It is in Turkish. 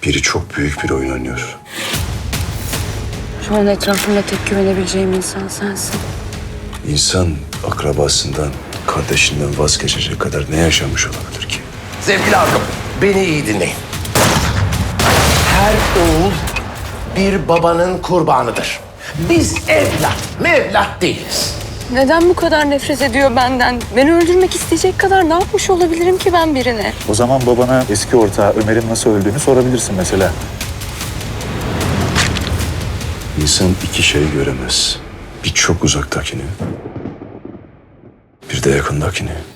Biri çok büyük bir oyun oynuyor. Şu an etrafımda tek güvenebileceğim insan sensin. İnsan akrabasından, kardeşinden vazgeçecek kadar ne yaşamış olabilir ki? Sevgili halkım, beni iyi dinleyin. Her oğul bir babanın kurbanıdır. Biz evlat, mevlat değiliz. Neden bu kadar nefret ediyor benden? Beni öldürmek isteyecek kadar ne yapmış olabilirim ki ben birine? O zaman babana eski ortağı Ömer'in nasıl öldüğünü sorabilirsin mesela. İnsan iki şeyi göremez. Bir çok uzaktakini, bir de yakındakini.